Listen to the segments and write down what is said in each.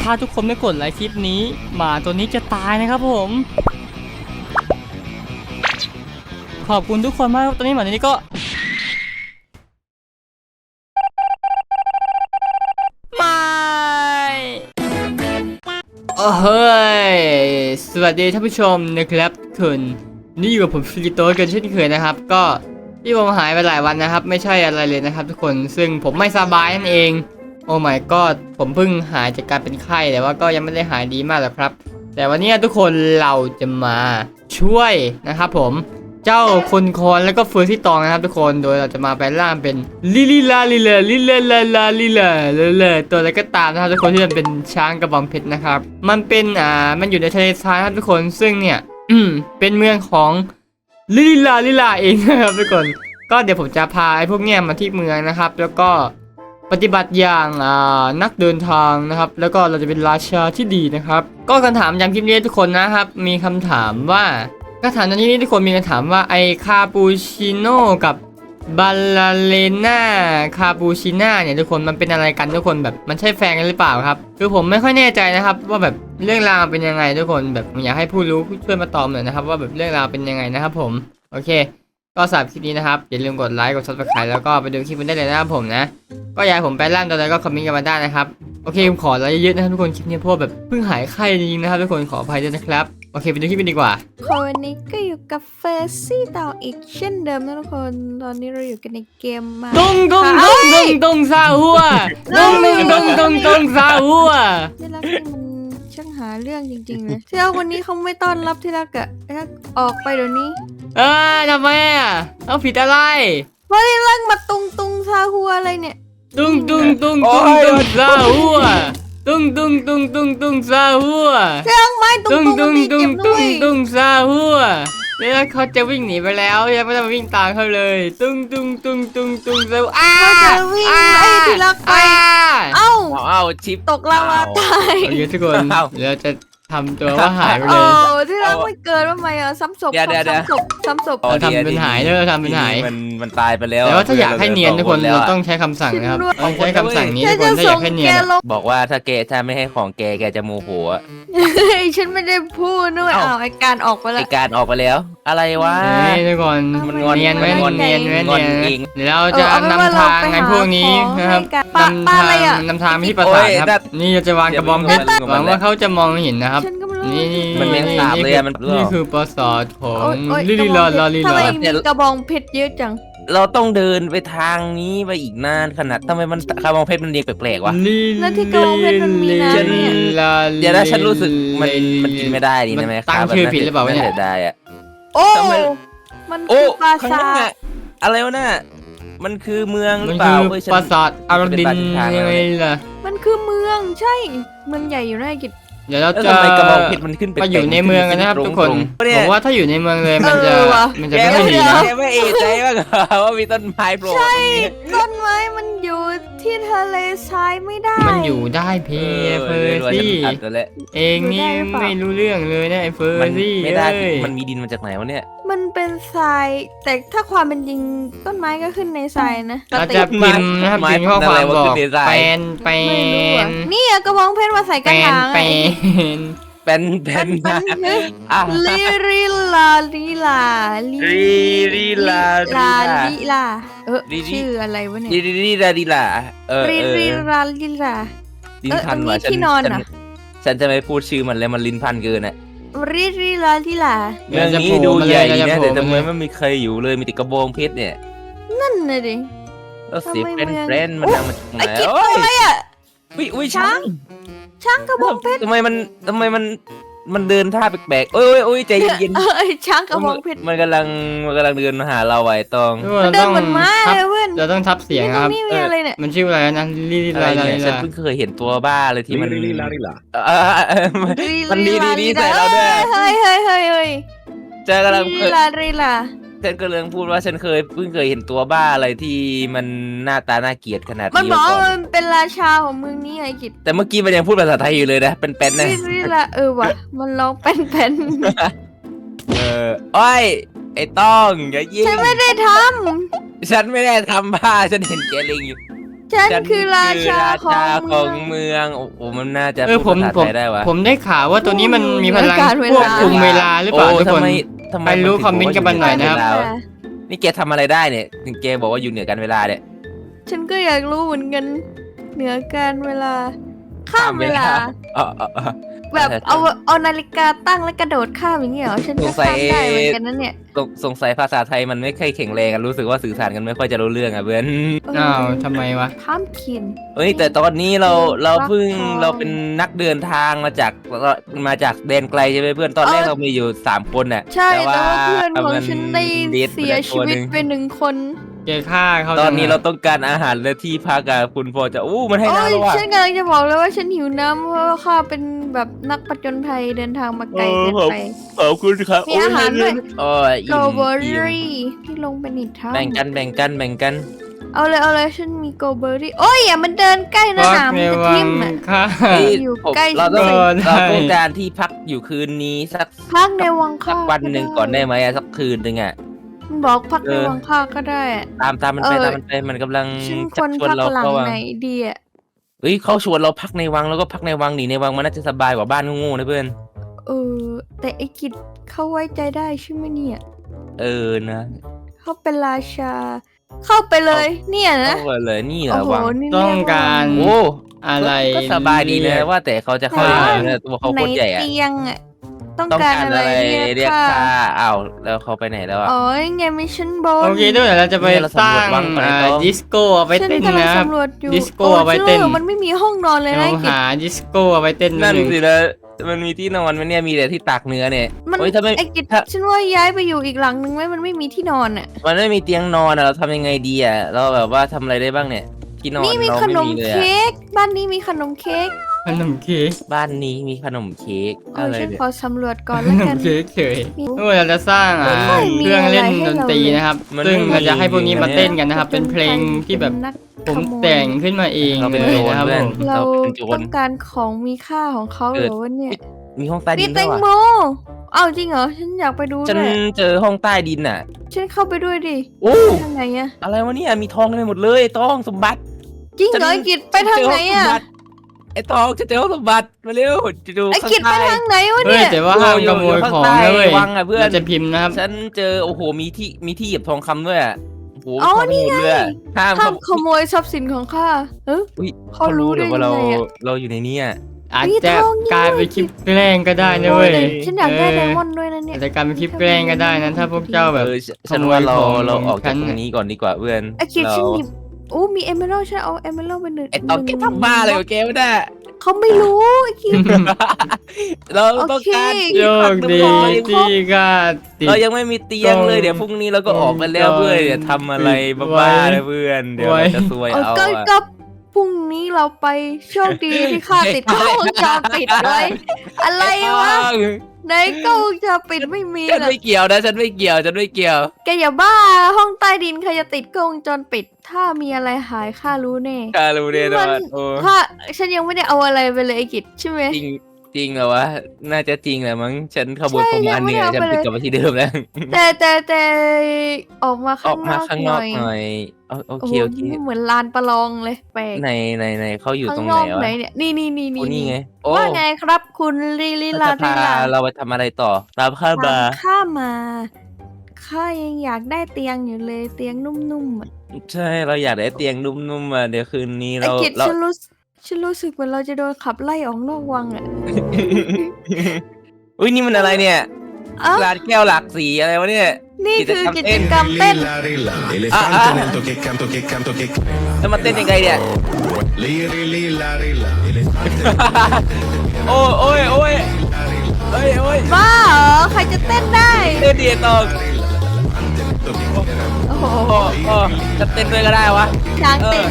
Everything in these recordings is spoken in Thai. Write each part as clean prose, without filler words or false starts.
ถ้าทุกคนไม่กดไลค์คลิปนี้หมาตัวนี้จะตายนะครับผมขอบคุณทุกคนมากตอนนี้หมาตัวนี้ก็ไม่เฮ้ยสวัสดีท่านผู้ชมนะครับคุณนี่อยู่กับผมฟิลิโต้กันเช่นเคยนะครับก็ที่ผมหายไปหลายวันนะครับไม่ใช่อะไรเลยนะครับทุกคนซึ่งผมไม่สบายนั่นเองโอ้ my god ผมเพิ่งหายจากการเป็นไข้แต่ว่าก็ยังไม่ได้หายดีมากหรอกครับแต่วันนี้ทุกคนเราจะมาช่วยนะครับผมเจ้าคนคอนแล้วก็เฟอร์ซี่ตองนะครับทุกคนโดยเราจะมาแปลงร่างเป็นลิลิลาลิเลลิเลลาลาลิเลเลตัวอะไรก็ตามนะครับทุกคนที่มันเป็นช้างกระบองเพชรนะครับมันเป็นมันอยู่ในทะเลทรายครับทุกคนซึ่งเนี่ยเป็นเมืองของลิลิลาเองนะครับทุกคนก็เดี๋ยวผมจะพาไอ้พวกเนี้ยมาที่เมืองนะครับแล้วก็ปฏิบัติอย่างนักเดินทางนะครับแล้วก็เราจะเป็นราชาที่ดีนะครับก็คำถามย้ำคลิปนี้ทุกคนนะครับมีคำถามว่าคำถามในที่นี้ทุกคนมีคำถามว่าไอคาปูชิโน่กับบาลาเลน่าคาปูชิน่าเนี่ยทุกคนมันเป็นอะไรกันทุกคนแบบมันใช่แฟนกันหรือเปล่าครับคือผมไม่ค่อยแน่ใจนะครับว่าแบบเรื่องราวเป็นยังไงทุกคนแบบอยากให้ผู้รู้ช่วยมาตอบหน่อยนะครับว่าแบบเรื่องราวเป็นยังไงนะครับผมโอเคก็สำหรับคลิปนี้นะครับอย่าลืมกดไลค์กด Subscribe แล้วก็ไปดูคลิปมันได้เลยนะครับผมนะก็อยากให้ผมไปล่างตัวใดก็คอมเมนต์กันมาได้นะครับโอเคผมขอไลค์เยอะๆนะครับทุกคนคลิปนี้เพราะแบบเพิ่งหายไข้จริงๆนะครับทุกคนขออภัยด้วยนะครับโอเคไปดูคลิปกันดีกว่าวันนี้ก็อยู่กับเฟอร์ซี่ต่ออีกเช่นเดิมนะทุกคนตอนนี้เราอยู่กันในเกมมาตุ้งซาหัวตุ้งซาหัวที่รักนี่มันช่างหาเรื่องจริงๆเลยที่รักวันนี้เขาไม่ต้อนรับที่รักอะที่รักออกไปเดี๋ยวนี้ทำไมเอาผิดอะไรเพราะที่รักมาตุงซาหัวอะไรเนี่ยตุ้งซาหัวตุ้งซาหัวที่รักไม้ตุ้งซาหัวแล้วเขาจะวิ่งหนีไปแล้วยังไม่ต้องวิ่งตามเขาเลยตุ้งซาเขาจะวิ่งไอ้ที่รักไปเอ้าชิปตกลาวาตายโอเคทุกคนเราจะทำตัวว่าหายไปเลยที่รักไม่เกิดว่าไงซ้ำศพเราทำเป็นหายเนอะทำเป็นหายมันตายไปแล้วแต่ว่าถ้าอยากให้เนียนทุกคนเราต้องใช้คำสั่งนะครับต้องใช้คำสั่งนี้ทุกคนถ้าอยากให้เนียนบอกว่าถ้าไม่ให้ของแกจะโมโหฉันไม่ได้พูดด้วยไอการออกไปแล้วไอการออกไปแล้วอะไรวะทุกคนมันเนียนไหมเนียนเดี๋ยวเราจะนำทางไอ้พวกนี้นะครับนำทางที่ปราสาทครับนี่จะวางกระบองเพชรหวังว่าเขาจะมองเห็นนะครับนี่มันเป็นสาบเลยนี่คือปราสาทของลิลิลาทำไมมีกระบองเพชรเยอะจังเราต้องเดินไปทางนี้ไปอีกนานขนาดทำไมมันกระบองเพชรมันเรียงแปลกๆวะแล้วที่กระบองเพชรมันมีน้ำเนี่ยเดี๋ยวนะฉันรู้สึกมันกินไม่ได้ดีนะแม่ตั้งชื่อผิดหรือเปล่าเนี่ยได้อะโอ้มันคือปราสาทอะไรวะน่ะมันคือเมืองหรือเปล่าปราสาทอาราดินยังไงล่ะมันคือเมืองใช่เมืองใหญ่อยู่ในกิจเดี๋ยวเราจะไปอยู่ในเมืองกันนะครับทุกคนผมว่าถ้าอยู่ในเมืองเลยมันจะไม่ค่อยดีนะไม่เอะใจว่ามีต้นไม้โผล่ใช่ต้นไม้มันอยู่ที่ทะเลทรายไม่ได้มันอยู่ได้เพียเฟอร์ซี่เองนี่ไม่รู้เรื่องเลยนะไอ้เฟอร์ซี่ไม่ได้มันมีดินมาจากไหนวะเนี่ยมันเป็นทรายแต่ถ้าความเป็นจริงต้นไม้ก็ขึ้นในทรายนะเราจะพิมพ์นะครับพิมพ์ข้อความบอกเป็นนี่กระบองเพชรมาใส่กระถางเป็นลิลาชื่ออะไรวะเนี่ยลิลาลิลาลิ้นพันว่ะฉันจะไม่พูดชื่อมันแล้วมันลิ้นพันเกินอ่ะลิลาเมืองนี้ดูใหญ่นะแต่เมืองไม่มีใครอยู่เลยมีแต่กระบองเพชรเนี่ยนั่นเลยดิแล้วเสียเป็นมันดังมาจากไหนอะไรอ่ะวิช้างกระบองเพชรทำไมมันเดินท่าแปลกๆโอ้ยใจเย็นๆช้างกระบองเพชรมันกำลังเดินมาหาเราไว้ตองเดินเหมือนม้าเลยเพื่อนเราต้องทับเสียงครับมันชื่ออะไรนะลิลาฉันเพิ่งเคยเห็นตัวบ้าเลยที่มันลิลามันดีใส่เราด้วยเฮ้ยเจอกำลังลิลาฉันก็เลยพูดว่าฉันเพิ่งเคยเห็นตัวบ้าอะไรที่มันหน้าตาน่าเกลียดขนาดนี้มันบอกมันเป็นราชาของเมืองนี้ไอ้กิจแต่เมื่อกี้มันยังพูดภาษาไทยอยู่เลยนะเป็นนะว่ะมันร้องเป็นอ้อยไอ้ต้องอย่ายิงฉันไม่ได้ทำบ้าฉันเห็นแกลิงอยู่ฉฉันคือราชาของเมืเมืออง งโอ้โหมันน่าจะผพูดมภาษาผมไทยได้วะผมได้ข่าวว่าตัวนี้มันมีพลังการเวลาควบคุมเวลาหรือเปล่าทุกคนทำไมใครรู้ถึงคอมเมนต์กันมาหน่อยนะครับว่าอยู่เหเวลานี่แกทำอะไรได้เนี่ยถึงแกบอกว่าอยู่เหนือกันเวลาเนี่ยฉันก็อยากรู้เหมือนกันเหนือการเวลาข้ามเวลาอ๋อแบบเอานาฬิกาตั้งแล้วกระโดดข้ามอย่างเงี้ยเหรอฉันก็ข้ามได้เหมือนกันนั่นเนี่ยสงสัยภาษาไทยมันไม่ค่อยแข็งแรงกันรู้สึกว่าสื่อสารกันไม่ค่อยจะรู้เรื่องอ่ะเพื่อนอ้าวทำไมวะพามคินเฮ้ยแต่ตอนนี้เรารักเพิ่งทองเราเป็นนักเดินทางมาจากแดนไกลใช่ไหมเพื่อนตอนแรกเรามีอยู่3คนน่ะใช่แต่ว่าเพื่อนของมันฉันได้เดทเสียชีวิตไปหนึ่งคนแกฆ่าเขาตอนนี้จังะเราต้องการอาหารและที่พักอะคุณพอจะมันให้โอ้น้ำยแล้วว่ะฉันกำลังจะบอกเลยว่าฉันหิวน้ำเพราะว่าข้าเป็นแบบนักผจญภัยเดินทางมาไกลเกินไปขอบคุณครับมีอาหารด้วยโอ้ยโกเบอรี่ที่ลงไปในถ้แบ่งกันำเอาเลยฉันมีโกเบอรี่โอ้ยอย่ามันเดินใกล้นะฟัหนามในมันจะวัทิ่งมอ่ะฆ่าเฮ้ยอยู่ผมใกล้เราต้องฉันเราต้องการที่พักอยู่คืนนี้สักพักในวังข้าวันหนึ่งก่อนได้ไหมอะสักคืนหนึ่งอะมันบอกพักในวังข้าก็ได้อะตามมันไปมันกำลังฉันคชันกชวนพักเราหลังเข้าวังไหนดีอ่ะเฮ้ยเขาชวนเราพักในวังแล้วก็พักในวังหนีในวังมันน่าจะสบายกว่าบ้านงูๆนะเพื่อนเออแต่ไอ้กิจเขาไว้ใจได้ใช่ไหมเนี่ยนะเขาเป็นราชา เข้าไปเลยเนี่ยนะเข้าไปเลยนี่เหรโอ้อโหวังนี่ต้องการโอ้อะไรก็สบายดีนะว่าแต่เขาจะเข้ายังไงเนี่ยตัวเขาไหนโคตรใหญ่อะเตียงอ่ะต้องต้องการการอะไรอะไรเรีเรียยกกค่าค่าอ้าวแล้วเขาไปไหนแล้วอ่ะอ๋อยังไงมิชชั่นบนโอเคด้วยเดี๋ยวเราจะไปเนี่ยเราสร้างสำรวจวังก่อนนะครับดิสโก้เอาไปฉันเต้นกำลังนะครับสำรวจอยู่ดิสโก้เอาไว้เต้นโมันไม่มีห้องนอนเลยเรานะไอ้กิจหาดิสโก้เอาไปเต้นนั่นหนึ่งสินะมันมีที่นอนไหมเนี่ยมีแต่ที่ตากเนื้อเนี่ยมันโอ้ยถ้าไม่ไอ้กิจถ้าฉันว่าย้ายไปอยู่อีกหลังนึงไหมมันไม่มีที่นอนอ่ะมันไม่มีเตียงนอนอะเราทำยังไงดีอะเราแบบว่าทำอะไรได้บ้างเนี่ยที่นอนนี่มีเราขนไม่มมีเลยอะเค้กบ้านนี้มีขนมเค้กขนมเค้กบ้านนี้มีขนมเค้กเออะอไรฉันเนี่ยขอสำรวจก่อนขแล้วนกัมนเค้กเฉยมีเมื่อเราจะสร้างไม่ค่อยมีเครื่องเล่นอะไรให้ดนเราตรีเลยนะครับมันซึ่งไม่มีเราจะให้พวกนี้มาเต้นกันนะครับผจญภัยเป็นเพลงที่แบบนักผมขโยแต่งขึ้นมาเองเราเป็นเลโจยรนะครับเพื่อนผมเราเป็นโจรต้องการของมีค่าของเขาเกิเหดรอวะเนี่ยมีห้องใต้มีดินแตด้วยงว่ะโมเอาจริงเหรอฉันอยากไปดูฉันด้วยเจอห้องใต้ดินน่ะฉันเข้าไปด้วยดิโอ้ทางไหนอะอะไรวะเนี่ยมีทองเต็มไปหมดเลยทองสมบัติจริงเหรอไอ้กิจไปทางไหนอะไอ้ทองจะเจอห้องสมบัติมาเร็วจะดูไอ้กิจไปทางไหนวะเฮ้ยเนี่ยแต่ว่าห้ามขโมยของนะเว้ยวังอะเพื่อนเราจะพิมพ์นะครับฉันเจอโอ้โหมีที่เหยียบทองคำด้วยอะโอ้โหอ๋อทองนี่หมดไงเลยอะห้ามห้ามขโมยทรัพย์สินของข้าเอออุ๊ยเขารู้ได้หรือว่ายังไงอะเราอยู่ในนี้อะอาจมีจะทองนี่กลายเป็นคลิปแกล้งก็ได้นะเว้ยโอ้ฉันอยากได้ไดมอนด์ด้วยนะเนี่ยอาจจะกลายเป็นคลิปแกล้งก็ได้นะถ้าพวกเจ้าแบบฉันว่าเราขโมยของเราออกฉัจากนตรงนี้ก่อนดีกว่าเพื่อนไอ้กิจเราฉันหยิบโอ้มีเอเมอรัลฉันเอาเอเมอรัลไปหนึ่งไอ้ตองแกทำบ้าอะไรกับแกไม่ได้เขาไม่รู้ไอ้กิจเราต้องการโอเคโชคดีที่ก็ติดเรายังไม่มีเตียงเลยเดี๋ยวพรุ่งนี้เราก็ออกไปแล้วเพื่อนอย่าทำอะไรบ้าๆเลยเพื่อนเดี๋ยวเราจะซวยเอาเอาก็อะก็พรุ่งนี้เราไปโชคดีที่ข้าติดกล้องวงจรปิดไว้อะไรวะในกล้องวงจรปิดไม่มีฉันหรอกไม่เกี่ยวนะฉันไม่เกี่ยวฉันไม่เกี่ยวแกอย่าบ้าห้องใต้ดินใครจะติดกล้องวงจรปิด ถ้ามีอะไรหายข้ารู้แน่การู้แน่นอนโอ้ข้าฉันยังไม่ได้เอาอะไรไปเลยไอ้กิจใช่ไหมจริงจริงเหรอวะน่าจะจริงแหละมั้งฉันขโมยใช่ประมาณเนี่ยยังไม่ได้เอาฉันไปเลยติดกลับมาที่เดิมแล้วแต่ออกมาอข้าอง กนมาอกข้างหนอน่กอยหน่อยโอโอ้เคโหโอเคนี่เหมือนลานประลองเลยแปลกในเขาอยู่ข้าตรง งนไหนอกวะไหนเนี่ยนี่โอ้นี่ไงโอ้ว่าไงครับคุณลีลีเราลาจะลีพาลาเราไปทำอะไรต่อตามข้ามาข้ามาข้ายังอยากได้เตียงอยู่เลยเตียงนุ่มๆอ่ะใช่เราอยากได้เตียงนุ่มๆอ่ะเดี๋ยวคืนนี้ไอ้เรากิจเราฉันรู้สึกเหมือนเราจะโดนขับไล่ออกนอกวังอ่ะอุ้ยนี่มันอะไรเนี่ยเอ้าร้านแก้วหลากสีอะไรวะเนี่ยนี่คือกิจกิกจรกรรรมมเต้น Lilla, elefante lento che canto, che canto, che แล้วมาเต้นยังไงเนี่ย Liri, lilla, rilla, elefante โอ้ยโอ้ยโอ้ยโอ้ยโอ้ยบ้าเหรอใครจะเต้นได้เต้นดีตองโอ้โหโอ้โอ้จะเต้นด้วยก็ได้วะช้างเอเต้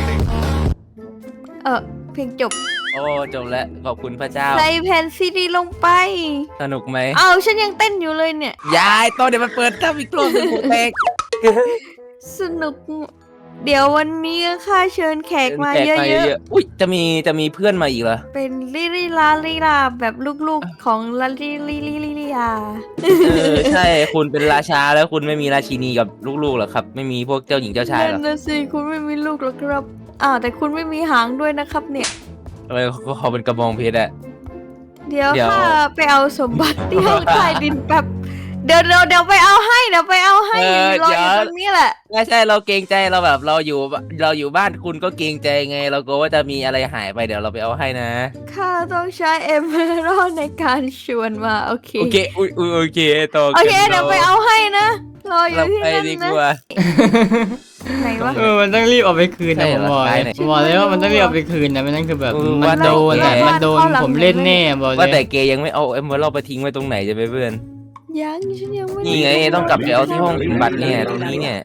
อนเพลงจบโอ้จบแล้วขอบคุณพระเจ้าใส่แผ่นซีดีลงไปสนุกไหมเอาฉันยังเต้นอยู่เลยเนี่ยยายตอนเดี๋ยวมันเปิดทับอีกรอบหนึงหูแตกสนุก เดี๋ยววันนี้ข้าเชิญแขกมาเยอะๆอุ้ยจะมีเพื่อนมาอีกเหรอๆ เป็นลิลิลาลิลาแบบลูกๆของลาลิลิลิลิลิลาใช่คุณเป็นราชาแล้วคุณไม่มีราชินีกับลูกๆเหรอครับ ไม่มีพวกเจ้าหญิงเจ้าชายเหรนั่อนนะสิคุณไม่มีลูกหรอกครับแต่คุณไม่มีหางด้วยนะครับเนี่ยทำไมเขาเป็นกระบองเพชรอะเดี๋ยวเดี๋ยวข้าไปเอาสมบัติที่ห้องใต้ดินแป๊บเดี๋ยวไปเอาให้รออยู่ตรงนี้แหละไม่ใช่เราเกรงใจเราแบบเราอยู่บ้านคุณก็เกรงใจไง เรากลัวว่าจะมีอะไรหายไปเดี๋ยวเราไปเอาให้นะข้าต้องใช้เอเมอรัลในการชวนมาโอเคโอเคอุ้ยโอเคต่อโอเคเดี๋ยวไปเอาให้นะรออยู่เราที่ไปนั่นดีนะกว่าไหนวะมันต้องรีบเอาไปคืนใช่นะผมบอกเหรอเลยใช่ผมบอกเลยว่ามันต้องรีบเอาไปคืนนะไม่นั้นคือแบบเออมันโดนว่าอะแต่มันโดนผมเล่นแน่บอกเลว่าแต่ยเกยังไม่เอาเอ็มเบอร์เราไปทิ้งไว้ตรงไหนจะไปเพื่อนยังฉันยังไม่นี่ไงต้องกลับไปเอาที่ห้องสมบัติเนี่ยตรงนี้เนี่ย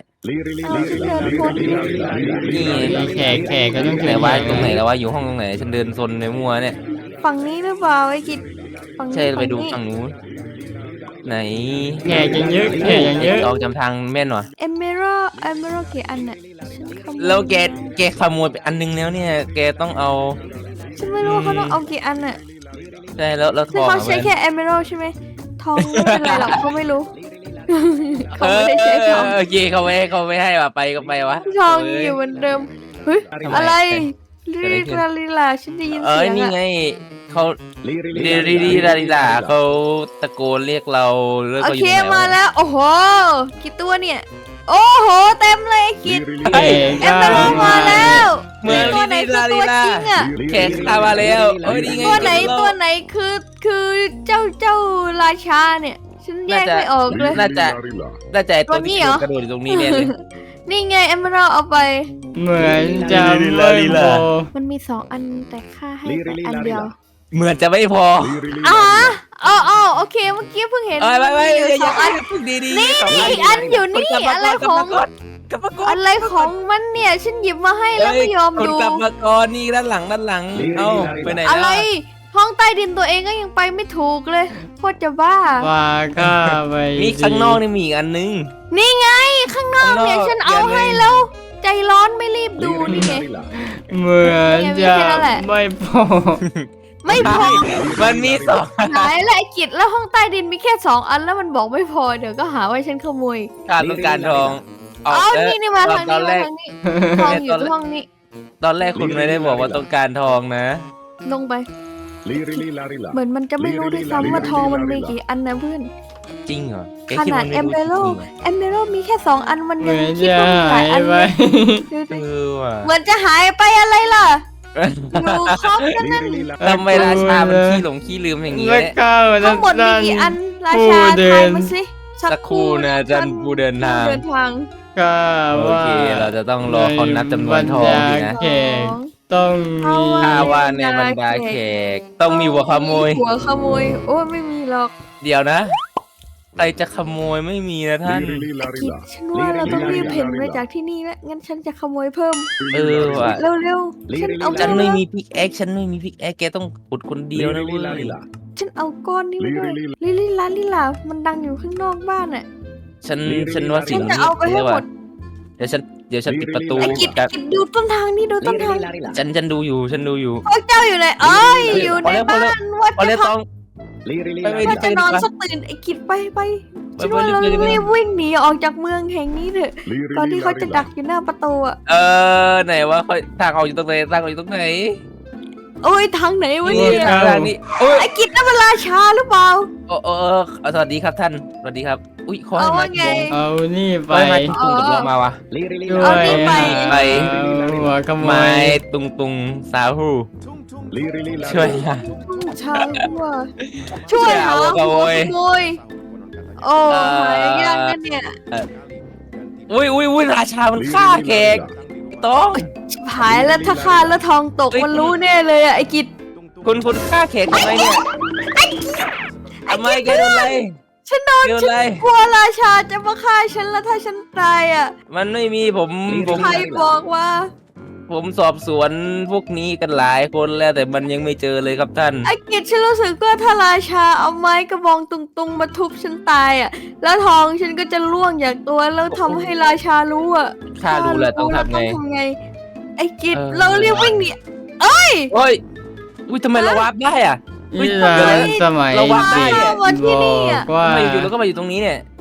นี่แขกก็ต้องไหนวะตรงไหนแล้ววะอยู่ห้องตรงไหนฉันเดินซนในมัวเนี่ยฝั่งนี้หรือเปล่าไอ้กิจฝั่งนี้ใช่ไปดูฝั่ฝั่งงนี้นู้นไหนแขกยังเยอะแขกยังเยอะเราจำทางแม่นวะเอเมอรัลกี่อันน่ะฉันขโมยแล้วแกขโมยไปอันนึงแล้วเนี่ยแกต้องเอาฉันไม่รู้ว่าเขาต้องเอากี่อันน่ะใช่แล้วทคือองเขาอะใช้เพื่อนแค่เอเมอรัลใช่ไหมทองไม่เป็นไรหรอกเขาไม่รู้ เขาไม่ได้ใช้ทองโอเคเขาไม่ให้ว่ะไปก็ไปวะทองอยู่เหมือนเดิมเฮ้ยทำไมอะไรเกิดอะไรขึ้นลีลาฉันได้ยินเอ้เสียยงนี่อะไงเขาดีลาเขาตะโกนเรียกเราแล้วโอก็อเคยู่ไหนมาวะแล้ว โอ้โหกี่ตัวเนี่ย โอ้โหเต็มเลยไอ้คิดแขกเอเมอรัลมาแล้วเมื่อตัวไหนคือตัวจริงอ่ะแขกข้ามาแล้วเอ้ยนี่ไงตัวไหนคือเจ้าราชาเนี่ย ฉันแยกไม่ออกเลยน่าจะไอ้ตัวตัวนี้ที่เหรอกระโดดอยู่ตรงนี้เนี่ยเลยนี่ไงเอเมอรัลเอาไปเหมือนจะไม่พอมันมี2 อันแต่ค่าให้ไปอันเดียวเหมือนจะไม่พออ๋อโอเคเมื่อกี้เพิ่งเห็นไม่มีอยู่สองอันดีนี่สงอีกอันอยู่นี่กลับมาอะไรก่นของกลับมาก่อนอะไรของมันเนี่ย ฉันหยิบมาให้แล้วไม่ยอมคนดูกลับมาก่อนนี่ด้านหลังเอ้าไปไหนอะไรแล้วห้องใต้ดินตัวเองก็ยังไปไม่ถูกเลยโคตรจะบ้าว่าก็ไปนี่ข้างนอกนี่มีอีกอันนึงนี่ไงข้างนอกเนี่ยฉันเอาให้แล้ว ใจร้อนไม่รีบดูนี่ไงเหมือนจะไม่พอไม่พอมันมีสองหายและไอ้กิจแล้วห้องใต้ดินมีแค่2 อันแล้วมันบอกไม่พอเดี๋ยวก็หาว่าฉันขโมยการต้องการทองอ๋อนี่มาทางตอนแรนี้กทองอยู่ที่ห้องนี้ตอนแรกคุณไม่ได้บอกว่าต้องการทองนะลงไป เหมือนมันจะไม่รู้ด้วยซ้ำว่าทองมันมีกี่อันนะเพื่อนจริงเหรอแกขคิดนาว่าดไม่เอมรู้เบจโลริงเหรอเอมเบโลมีแค่2 อันมันเหยังมือนคิดจะว่ามีหหาลายยอันไปเลยดูเอดิอว่ะเหมือนจะหายไปอะไรล่ะอยู่ครบกันนั่นทำไมราชามันขี้หลงขี้ลืมอย่างนี้แล้วเนี่ยก็ทั้งหมดมีกี่อันราชาผู้เดิทายนมาสิสักครู่นะจันผู้เดินทางเดินทางก็โอว่าเคเราจะต้องรอเขานับจำนวนทองดีนะแขกต้องมีถ้าว่าในบรรดาแขกต้องมีหัวขโมยหัวขโมยโอ้ยไม่มีหรอกเดี๋ยวนะใครจะขโมยไม่มีนะท่านคิดฉันว่าเราต้องรีบเพ่นไปจากที่นี่แล้วงั้นฉันจะขโมยเพิ่มเออว่ะเร็วๆฉันเอาฉันก้อนไม่มีพิกแอคฉันไม่มีพิกแอคแกต้องขุดคนเดียวนะเว้ยฉันเอาก้อนนี้มาด้วยลิลามันดังอยู่ข้างนอกบ้านอ่ะฉันว่าสิ่ฉังนนี้จะเอาไปให้หมดเดี๋ยวฉันปิดประตูไอ้กิจกับดูต้นทางนี่ดูต้นทางฉันดูอยู่พวกเจ้าอยู่ไหนเอ้ยอยู่ในบ้านว่าพอจะแล้วพัต้กองไปว่าจะนอนดีกว่าสักตื่นไอ้กิจไปฉันว่าเรารีบวิ่งหนีออกจากเมืองแห่งนี้เถอะตอนที่เขาจะดักอยู่หน้าประตูอ่ะไหนวะทางออกอยู่ตรงไหนทางออกอยู่ตรงไหนโอ้ยทางไหนวะเนี่ยทางนี้โอ้ยไอ้กิจนั่นมันราชาหรือเปล่าสวัสดีครับท่านสวัสดีครับอุ้ยขอให้เอามาว่าไงเอานี่ไปไปมาตุงกับเรามาวะด้วเอายนี่ไปเอาหัวขโมไม้ยตุงสาหูช่วยนะชาวช่วยหาหัวขโมยโอ้หายากนะเนี่ยอุ้ยราชามันฆ่าแขกต้องหายแล้วถ้าฆ่าแล้วทองตกมันรู้แน่เลยอะไอ้กิจคุณฆ่าแขกทำไมเนี่ยทำไมแกโดนอะไรฉันโดนโดนฉัอะไรนกลัวราชาจะมาฆ่าฉันแล้วถ้าฉันตายอะมันไม่มีผมใครบอกว่าผมสอบสวนพวกนี้กันหลายคนแล้วแต่มันยังไม่เจอเลยครับท่านไอ้กิจฉันรู้สึกว่าถ้าราชาเอาไม้กระบองตุงๆมาทุบฉันตายอะแล้วทองฉันก็จะล่วงจากตัวแล้วทำให้ราชารู้อะข้ารู้แหละต้องทำไงไอ้กิจเออเราเรียกวิ่งหนีโอ้ยอุ้ยทำไมเราวาร์ปได้อ่ะนี่แหละสมัยเราวางได้เด็กมาที่นี่อะบอกว่าทำไมอยู่ๆแล้วก็มาอยู่ตรงนี้เนี่ย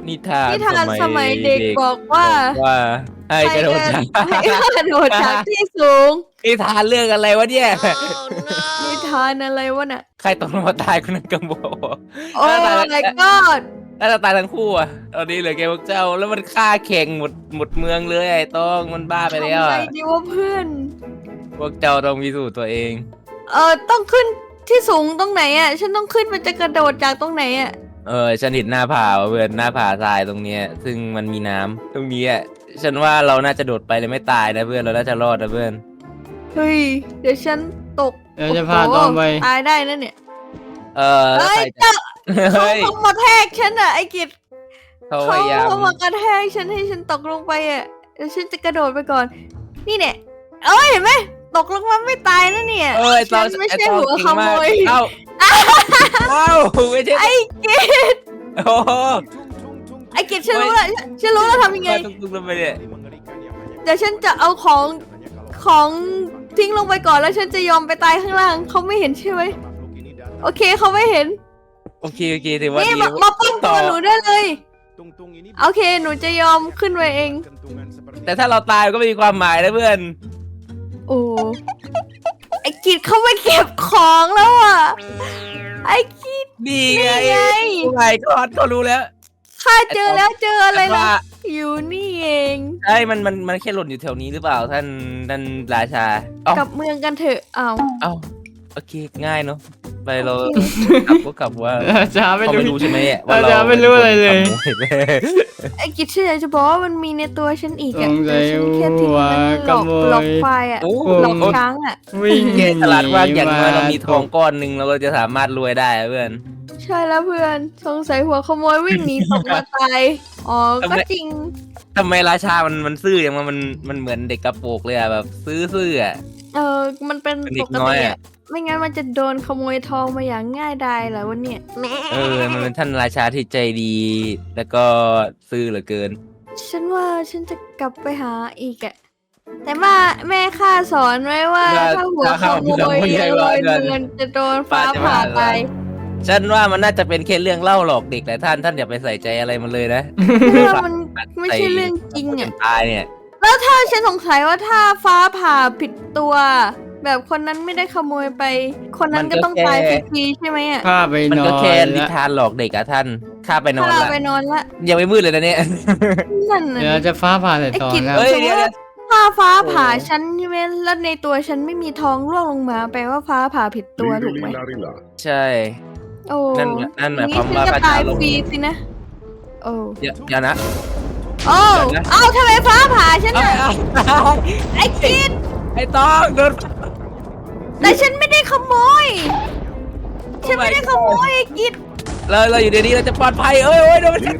นิทานนิทานสมัยเด็กบอกว่าว่าให้กระโดดจากให้กระโดดจากที่สูงนิทานเรื่องอะไรวะเนี่ยนิทานอะไรวะน่ะใครตกลงมาตายคนนั้นกัโบโอ้ my god น่าจะตายทั้งคู่อ่ะตอนนี้เหลือแกพวกเจ้าแล้วมันฆ่าเข่งหมดเมืองเลยไอ้ต้องมันบ้าไปแล้วทำไงอะดีวะเพื่อนพวกเจ้าต้องพิสูจน์ตัวเองต้องขึ้นที่สูงตรงไหนอ่ะ ฉันต้องขึ้นมันจะกระโดดจากตรงไหนอ่ะฉันเห็นหน้าผาว่ะเพื่อนหน้าผาทรายตรงเนี้ย ซึ่งมันมีน้ำตรงนี้อ่ะฉันว่าเราน่าจะโดดไปเลยไม่ตายนะเพื่อนเราน่าจะรอดนะเพื่อนเฮ้ย เดี๋ยวฉันตกเดี๋ยวจะพาต้องไปตายได้นะเนี่ยแล้วเฮ้ยใครจะเขาเฮ้ยมาแทกฉันอ่ะไอ้กิจเขาพยายามเขามากระแทกฉันให้ฉันตกลงไปอ่ะเดี๋ยวฉันจะกระโดดไปก่อน นี่เนี่ยเอ้ยเห็นไหมตกลงมาไม่ตายนะเนี่ยไอ้ตฉัอนนไม่ไอ้ใช่ตอนหัวเก่งขมากโมยเอ้าไม่ใช่ไอ้กิจโอ้โหไอ้กิจฉันรู้แล้วฉันรู้แล้วทำยังไงตุ้งๆลงไปเนี่ยเดี๋ยวฉันจะเอาของทิ้งลงไปก่อนแล้วฉันจะยอมไปตายข้างล่างเขาไม่เห็นใช่ไหมโอเคเขาไม่เห็นโอเคถือว่านี่ดีมาป้องตัวหนูได้เลยโอเคหนูจะยอมขึ้นไปเองแต่ถ้าเราตายก็ไม่มีความหมายนะเพื่อนโอ้ไอ้กิจเขาไปเก็บของแล้วอ่ะไอ้กิจนี่นี่ไงไงผู้ใหญ่ก็เขารู้แล้วข้าเจอแล้วเจออะไรว่าล่ะอยู่นี่เองใช่มันแค่หล่นอยู่แถวนี้หรือเปล่าท่านราชาเอ้ากลับเมืองกันเถอะเอาเอ้าโอเคง่ายเนาะไปเราโอเคกลับว่าจะไม่เขารู้ไม่รู้ใช่ไหมว่าจะไม่รู้อะไรเลยไอ้กิจฉันอยากจะบอกว่ามันมีในตัวฉันอีกสอ่ะงสัยฉันแค่ทิ้งมันหลอกขโมยหลอกควายอ่ะโอ้หลอกช้างอ่ะวิ่งแกฉลาดมากอย่างน้อยเรามีทองตกก้อนหนึ่งเราก็จะสามารถรวยได้อะเพื่อนใช่แล้วเพื่อนสงสัยหัวขโมยวิ่งหนีตกมาตายอ๋อก็จริงทำไมราชามันซื่ออย่างมันเหมือนเด็กกระโปรงเลยอะแบบซื่ออะมันเป็นเป็นเด็ปกกน้อยติอะอ่ะไม่งั้นมันจะโดนขโมยทองมาอย่างง่ายดายเหรอวะเนี่ยมันเป็นท่านราชาที่ใจดี แล้วก็ซื่อเหลือเกินฉันว่าฉันจะกลับไปหาอีกอะแต่ว่าแม่ข้าสอนไว้ว่าถ้าหัวขโมยเลยเงินจะโดนฟ้าผ่าไปฉันว่ามันน่าจะเป็นแค่เรื่องเล่าหลอกเด็กแหละท่านอย่าไปใส่ใจอะไรมันเลยนะเพราะว่ามันไม่ใช่เรื่องจริงจอ่ะนตายเนี่ยแล้วถ้าฉันสงสัยว่าถ้าฟ้าผ่าผิดตัว แบบคนนั้นไม่ได้ขโมยไป คนนั้นก็ต้องตายฟรีๆใช่ไหมอ่ะข้าไปมันนอก็นแค่นิละทานหลอกเด็กอะท่านข้าไปนอนถ้าละไปนอนละยังไม่มืดเลยนะเนี่ยนั่นน่ะเดี๋ยวจะฟ้าผ่าใส่ไอ้ตอนกิจนะเฮ้ยสมมเดี๋ยวติว่าถ้าฟ้าผ่าฉันใช่ไหมแล้วในตัวฉันไม่มีทองร่วงลงมาแปลว่าฟ้าผ่าผิดตัวถูกไหมใช่โอ้นั่นหมายนี้ความฉันว่าจะพระตายเจ้าลงฟรีสินะ โอ้เดี๋ยวนะโอ้เดี๋ยวนะเอ้าทำไมฟ้าผ่าฉันอ่ะไอ้กิดไอ้ต้องโดนแต่ฉันไม่ได้ขโมย ฉันไม่ได้ขโมยไอ้กิดเราอยู่ในนี้เราจะปลอดภัยโอ้ยโดนฉัน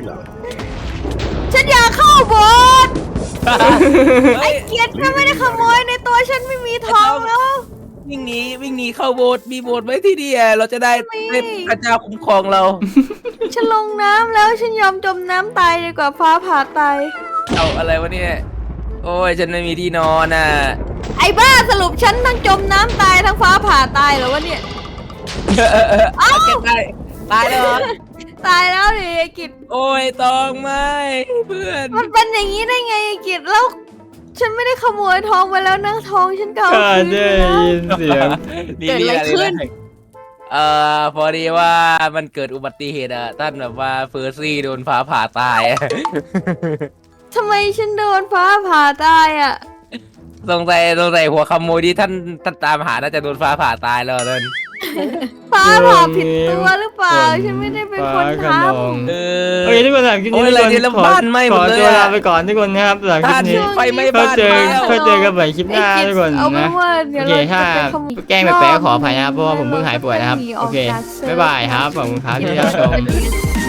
ฉันอยากเข้าโบสถ์ไอ้ไอ้เกียรติฉันไม่ได้ขโมยในตัวฉันไม่มีทองแล้ววิ่งหนีเข้าโบสถ์มีโบสถ์ไว้ที่นี่เราจะได้ไม่ให้พระเจ้าคุ้มครองเราฉันลงน้ำแล้วฉันยอมจมน้ำตายดีกว่าฟ้าผ่าตายเอาอะไรวะเนี่ยโอ้ยฉันไม่มีที่นอนอ่ะไอ้บ้าสรุปฉันทั้งจมน้ำตายทั้งฟ้าผ่าตายเหรอวะเนี่ยเอาเก็บได้ตายแล้วเหรอตายแล้วดิไอ้กิจโอ้ยตองไม่เพื่อนมันเป็นอย่างนี้ได้ไงไอ้กิจแล้ว ฉันไม่ได้ขโมยทองไปแล้วนะทองฉันเก่าข้าคืนได้แล้วยินเสียงเกิดอะไรขึ้นพอดีว่ามันเกิดอุบัติเหตุท่านแบบว่าเฟอร์ซี่โดนฟ้าผ่าตายทำไมฉันโดนฟ้าผ่าตายอ่ะสงสัยหัวขโมยที่ท่านตามหาน่าจะโดนฟ้าผ่าตายแล้วนั่นฟ้าผ่าผิดตัวหรือเปล่า ฉันไม่ได้เป็นคนทฟ้ากระนองเออโอเคทุกคนสำหรับคลิปโอ้นี้ยทุกอะไรเนี่ยคแล้วนขอบ้านไหม้หขมอดเลยตัวอะลาไปก่อนทุกคนนะครับสำหรับคลิปท่านนี้ไฟไหม้เขาบ้านเจอแล้วเขาเจอกันใหม่คลิปหน้าทุกคนเอาเป็นะนว่าเดี๋โอยวเคเราถ้าจะไปขโมยแกล้งแปลกๆขออภัยนะครับเพราะว่าผมเพิ่งหายป่วยนะครับโอเคบ๊ายบายครับขอบคุณครับที่รับชม